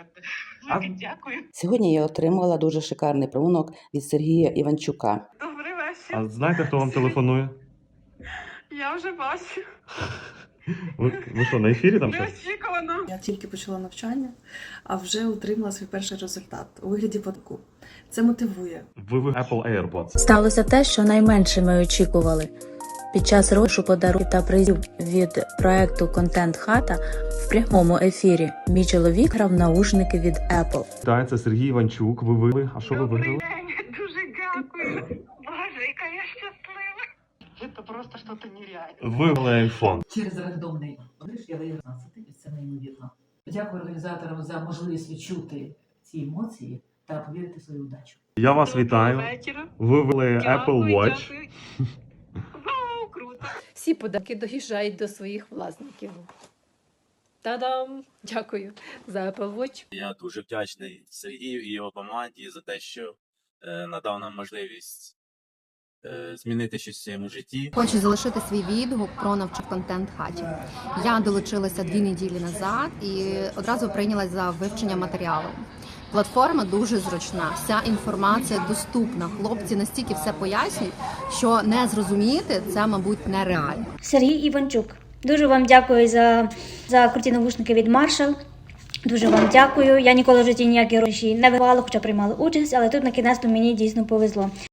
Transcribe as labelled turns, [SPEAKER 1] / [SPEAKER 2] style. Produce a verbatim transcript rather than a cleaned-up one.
[SPEAKER 1] сказати.
[SPEAKER 2] А-
[SPEAKER 1] Велике дякую.
[SPEAKER 3] Сьогодні я отримала дуже шикарний промунок від Сергія Іванчука.
[SPEAKER 1] Добрий вечір.
[SPEAKER 2] А знаєте, хто вам телефонує?
[SPEAKER 1] Я вже бачу.
[SPEAKER 2] Ви, ви що, на ефірі там щось?
[SPEAKER 1] Неочікувано.
[SPEAKER 4] Я тільки почала навчання, а вже отримала свій перший результат у вигляді податку. Це мотивує.
[SPEAKER 2] Ви в Apple AirPods.
[SPEAKER 5] Сталося те, що найменше ми очікували. Під час розіграшу подарунків та призів від проекту «Контент Хата» в прямому ефірі мій чоловік грав наушники від Apple.
[SPEAKER 2] Так, це Сергій Іванчук. Ви виграли. А що ви
[SPEAKER 1] Добрий
[SPEAKER 2] виграли?
[SPEAKER 1] день. Дуже дякую. Боже, яка я щаслива. Це просто щось нереальне.
[SPEAKER 2] Ви виграли iPhone.
[SPEAKER 6] Через рандомний розіграш я виграв п'ятнадцять, і це неймовірно. Дякую організаторам за можливість відчути ці емоції та повірити в свою удачу.
[SPEAKER 2] Я вас
[SPEAKER 1] Доброго
[SPEAKER 2] вітаю.
[SPEAKER 1] вечора.
[SPEAKER 2] Ви виграли Apple
[SPEAKER 1] Дякую,
[SPEAKER 2] Watch.
[SPEAKER 1] дякую. Вау, круто.
[SPEAKER 7] Всі подарунки доїжджають до своїх власників. Та-дам! Дякую за Apple Watch.
[SPEAKER 8] Я дуже вдячний Сергію і його команді за те, що е, надав нам можливість е, змінити щось в своєму житті.
[SPEAKER 9] Хочу залишити свій відгук про навчання в контент хаті. Я долучилася дві неділі назад і одразу прийнялась за вивчення матеріалу. Платформа дуже зручна, вся інформація доступна. Хлопці настільки все пояснюють, що не зрозуміти це, мабуть, нереально.
[SPEAKER 10] Сергій Іванчук. Дуже вам дякую за, за круті навушники від Marshall. Дуже вам дякую. Я ніколи в житті ніякі гроші не вигравала, хоча приймала участь, але тут на кінець мені дійсно повезло.